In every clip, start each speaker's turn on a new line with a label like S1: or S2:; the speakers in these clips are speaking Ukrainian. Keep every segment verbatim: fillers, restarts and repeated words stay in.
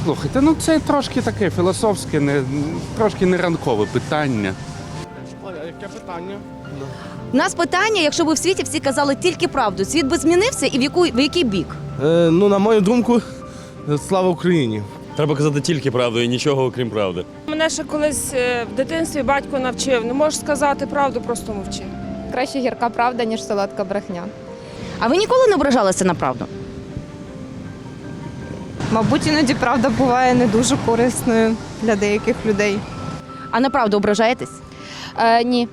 S1: Слухайте, ну це трошки таке філософське, не, трошки не ранкове питання. А яке питання?
S2: У нас питання, якщо б в світі всі казали тільки правду, світ би змінився і в, яку, в який бік?
S3: Е, ну, на мою думку, слава Україні.
S4: Треба казати тільки правду і нічого окрім правди.
S5: Мене ще колись е, в дитинстві батько навчив. Не можеш сказати правду, просто мовчи.
S6: Краще гірка правда, ніж солодка брехня.
S2: А ви ніколи не ображалися на правду?
S6: Мабуть, іноді правда буває не дуже корисною для деяких людей.
S2: А на правду ображаєтесь?
S6: Е, ні.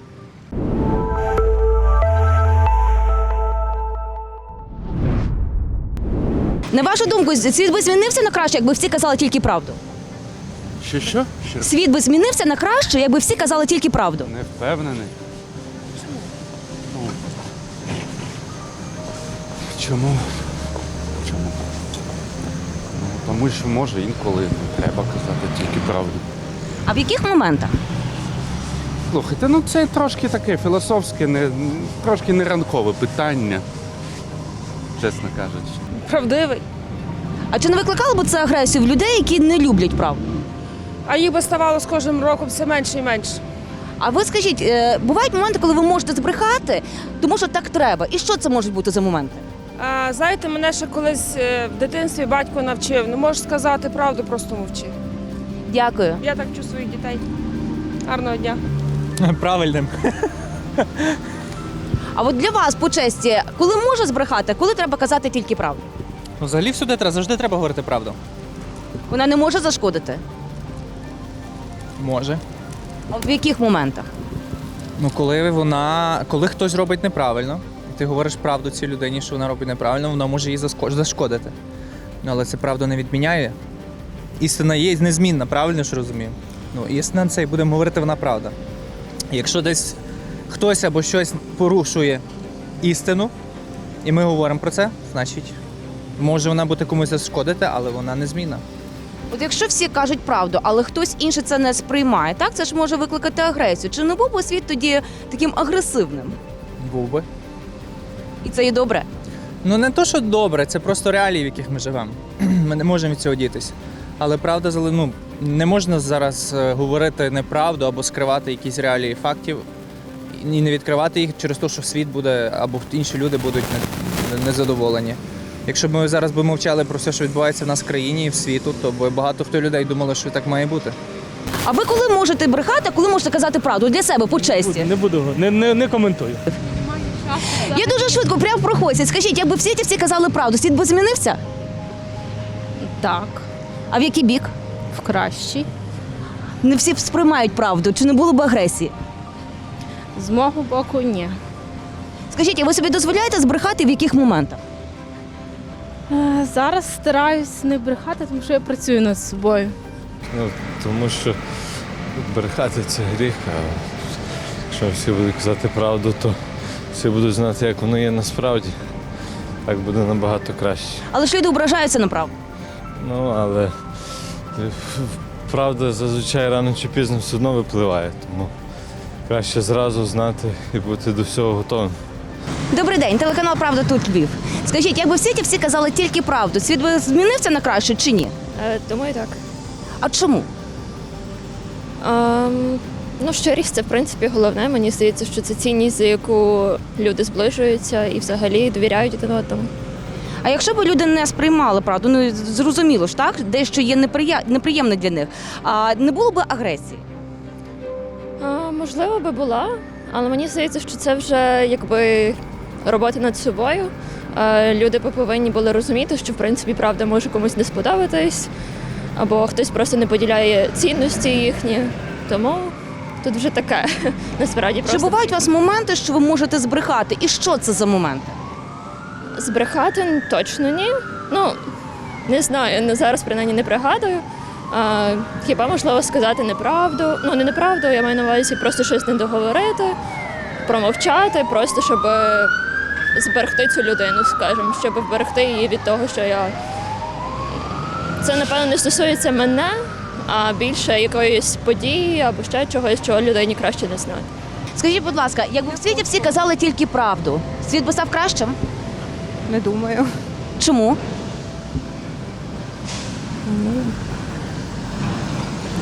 S2: На вашу думку, світ би змінився на краще, якби всі казали тільки правду?
S1: Що, що? Що?
S2: Світ би змінився на краще, якби всі казали тільки правду?
S1: Не впевнений. Ну, чому? Чому? Ну, тому що може інколи треба казати тільки правду.
S2: А в яких моментах?
S1: Слухайте, ну це трошки таке філософське, не, трошки не ранкове питання, чесно кажучи.
S5: Правдивий.
S2: А чи не викликало б це агресію в людей, які не люблять правду?
S5: А їх би ставало з кожним роком все менше і менше.
S2: А ви скажіть, е, бувають моменти, коли ви можете збрехати, тому що так треба. І що це можуть бути за моменти?
S5: А, знаєте, мене ще колись е, в дитинстві батько навчив. Не можеш сказати правду, просто мовчи.
S2: Дякую.
S5: Я так вчу своїх дітей. Гарного дня.
S7: Правильним.
S2: А от для вас, по честі, коли можна збрехати, коли треба казати тільки правду?
S7: Ну, взагалі всюди треба, завжди треба говорити правду.
S2: Вона не може зашкодити?
S7: Може.
S2: А в яких моментах?
S7: Ну, коли вона, коли хтось робить неправильно, і ти говориш правду цій людині, що вона робить неправильно, вона може їй заско- зашкодити. Ну, але це правду не відміняє. Істина є незмінна, правильно ж розумію? Ну, істина це і будемо говорити, вона правда. Якщо десь хтось або щось порушує істину, і ми говоримо про це, значить, може вона бути комусь зашкодити, але вона незмінна.
S2: От якщо всі кажуть правду, але хтось інший це не сприймає, так це ж може викликати агресію. Чи не був би світ тоді таким агресивним?
S7: Був би.
S2: І це є добре.
S7: Ну не то, що добре, це просто реалії, в яких ми живемо. Ми не можемо від цього дітись. Але правда, зали- ну, не можна зараз е, говорити неправду або скривати якісь реалії фактів і не відкривати їх через те, що світ буде або інші люди будуть не- незадоволені. Якщо б ми зараз би мовчали про все, що відбувається в нас в країні і в світу, то б багато хто людей думали, що так має бути.
S2: А ви коли можете брехати, а коли можете казати правду для себе по честі?
S8: Не буду, не, не, не коментую.
S2: Я дуже швидко прямо проходять. Скажіть, якби в світі всі казали правду, світ би змінився?
S9: Так,
S2: А в який бік?
S9: в кращий.
S2: Не всі сприймають правду, чи не було б агресії?
S9: З мого боку, ні.
S2: Скажіть, а ви собі дозволяєте збрехати в яких моментах?
S9: Е, Зараз стараюсь не брехати, тому що я працюю над собою.
S10: Ну, тому що брехати це гріх, а якщо всі будуть казати правду, то всі будуть знати, як воно є насправді. Так буде набагато краще.
S2: Але ж люди ображаються на правду.
S10: Ну, але правда зазвичай рано чи пізно все одно випливає, тому краще зразу знати і бути до всього готовим.
S2: Добрий день, телеканал «Правда» тут Львів. Скажіть, якби в світі всі казали тільки правду, світ би змінився на краще чи ні?
S11: Е, Думаю, так.
S2: А чому?
S11: Ем, ну, щирість це, в принципі, головне. Мені здається, що це цінність, за яку люди зближуються і взагалі довіряють один одному.
S2: А якщо б люди не сприймали правду, ну зрозуміло ж, так, дещо є неприя... неприємне для них, а не було б агресії?
S11: А, можливо, би була, але мені здається, що це вже якби робота над собою. Е, люди би повинні були розуміти, що, в принципі, правда може комусь не сподобатись, або хтось просто не поділяє цінності їхні. Тому тут вже таке, насправді.
S2: Чи
S11: просто
S2: бувають у вас моменти, що ви можете збрехати? І що це за моменти?
S11: Збрехати точно ні. Ну, не знаю, не- зараз принаймні не пригадую. А, хіба можливо сказати неправду? Ну, не неправду, я маю на увазі просто щось не договорити, промовчати, просто щоб е, зберегти цю людину, скажімо, щоб вберегти її від того, що я. Це, напевно, не стосується мене, а більше якоїсь події або ще чогось, чого людині краще не знати.
S2: Скажіть, будь ласка, якби в світі всі казали тільки правду, світ би став кращим?
S6: Не думаю.
S2: Чому?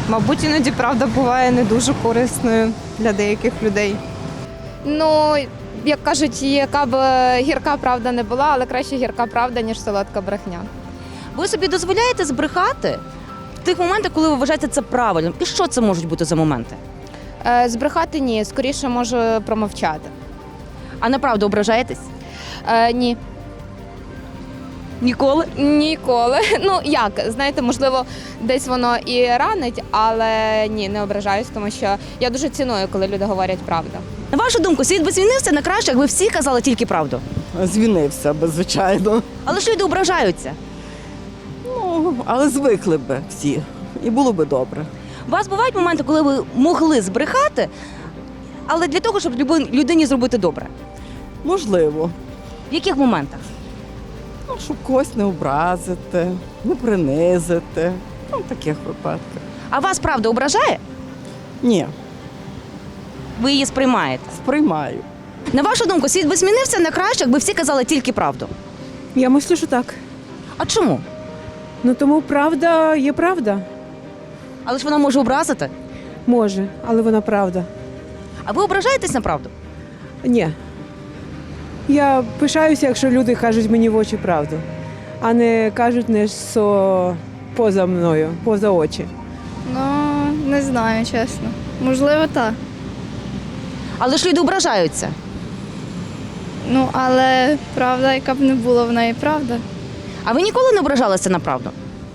S6: Мабуть, іноді правда буває не дуже корисною для деяких людей.
S12: Ну, як кажуть, яка б гірка правда не була, але краще гірка правда, ніж солодка брехня.
S2: Ви собі дозволяєте збрехати в тих моментах, коли ви вважаєте це правильним? І що це можуть бути за моменти?
S12: Е, збрехати ні, скоріше можу промовчати.
S2: А на правду ображаєтесь?
S12: Е, ні.
S2: Ніколи?
S12: Ніколи. Ну як, знаєте, можливо, десь воно і ранить, але ні, не ображаюсь, тому що я дуже ціную, коли люди говорять правду.
S2: На вашу думку, світ би змінився на краще, якби всі казали тільки правду.
S13: Звінився би, звичайно.
S2: Але ж люди ображаються.
S13: Ну, але звикли би всі. І було би добре.
S2: У вас бувають моменти, коли ви могли збрехати, але для того, щоб люби- людині зробити добре.
S13: Можливо.
S2: В яких моментах?
S13: Ну, щоб когось не образити, не принизити. Ну, в таких випадках.
S2: А вас правда ображає?
S13: Ні,
S2: Ви її сприймаєте.
S13: сприймаю.
S2: На вашу думку, світ би змінився на краще, якби всі казали тільки правду.
S9: Я мислю, що так.
S2: А чому?
S9: Ну тому правда є правда.
S2: Але ж вона може образити.
S9: Може, але вона правда.
S2: А ви ображаєтесь на правду?
S9: Ні. Я пишаюся, якщо люди кажуть мені в очі правду, а не кажуть не що поза мною, поза очі.
S12: Ну, не знаю, чесно. Можливо, так.
S2: Але ж люди ображаються.
S12: Ну, але правда, яка б не була, вона і правда.
S2: А ви ніколи не ображалися на правду?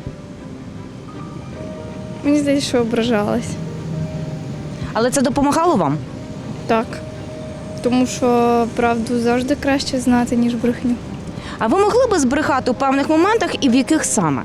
S12: Мені здається, що ображалась.
S2: Але це допомагало вам?
S12: Так. Тому що правду завжди краще знати, ніж брехню.
S2: А ви могли би збрехати у певних моментах і в яких саме?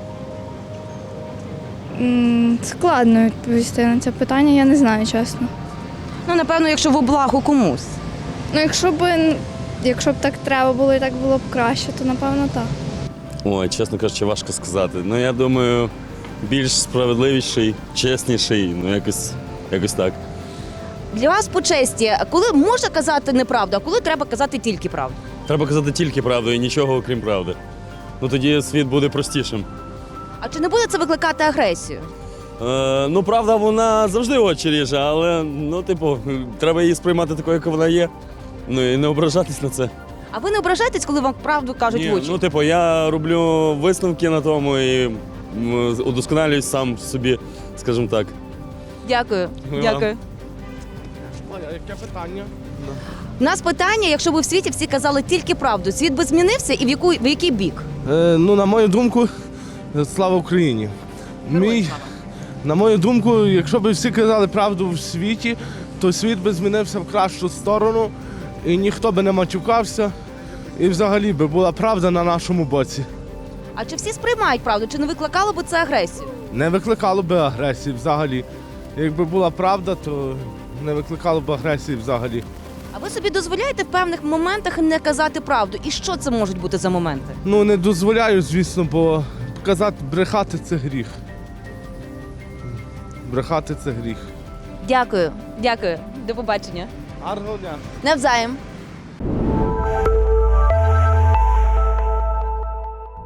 S12: М, Складно відповісти на це питання, я не знаю, чесно.
S2: Ну, напевно, якщо в благо комусь.
S12: Ну, якщо б, якщо б так треба було і так було б краще, то напевно так.
S4: Ой, чесно кажучи, важко сказати. Ну, я думаю, більш справедливіший, чесніший, ну якось, якось так.
S2: Для вас по честі, коли можна казати неправду, а коли треба казати тільки правду?
S4: Треба казати тільки правду і нічого окрім правди. Ну тоді світ буде простішим.
S2: А чи не буде це викликати агресію?
S4: Е, ну, правда, вона завжди очі ріже, але ну, типу, треба її сприймати такою, яка вона є. Ну і не ображатись на це.
S2: А ви не ображаєтесь, коли вам правду кажуть
S4: Ні,
S2: в очі?
S4: ну, типу, я роблю висновки на тому і м, удосконалююсь сам собі, скажімо так.
S2: Дякую.
S4: Ми
S2: Дякую.
S3: А яке питання?
S2: У нас питання, якщо б у світі всі казали тільки правду, світ би змінився і в, яку, в який бік?
S3: Е, ну, на мою думку, е, слава Україні. Мій, на мою думку, якщо б всі казали правду в світі, то світ би змінився в кращу сторону, і ніхто би не матюкався, і взагалі би була правда на нашому боці.
S2: А чи всі сприймають правду, чи не викликало б це агресію?
S3: Не викликало би агресії взагалі. Якби була правда, то не викликало б агресії взагалі.
S2: А ви собі дозволяєте в певних моментах не казати правду? І що це можуть бути за моменти?
S3: Ну, не дозволяю, звісно, бо казати, брехати це гріх. Брехати це гріх.
S2: Дякую. Дякую. До побачення.
S3: Гарного дня.
S2: Навзаєм.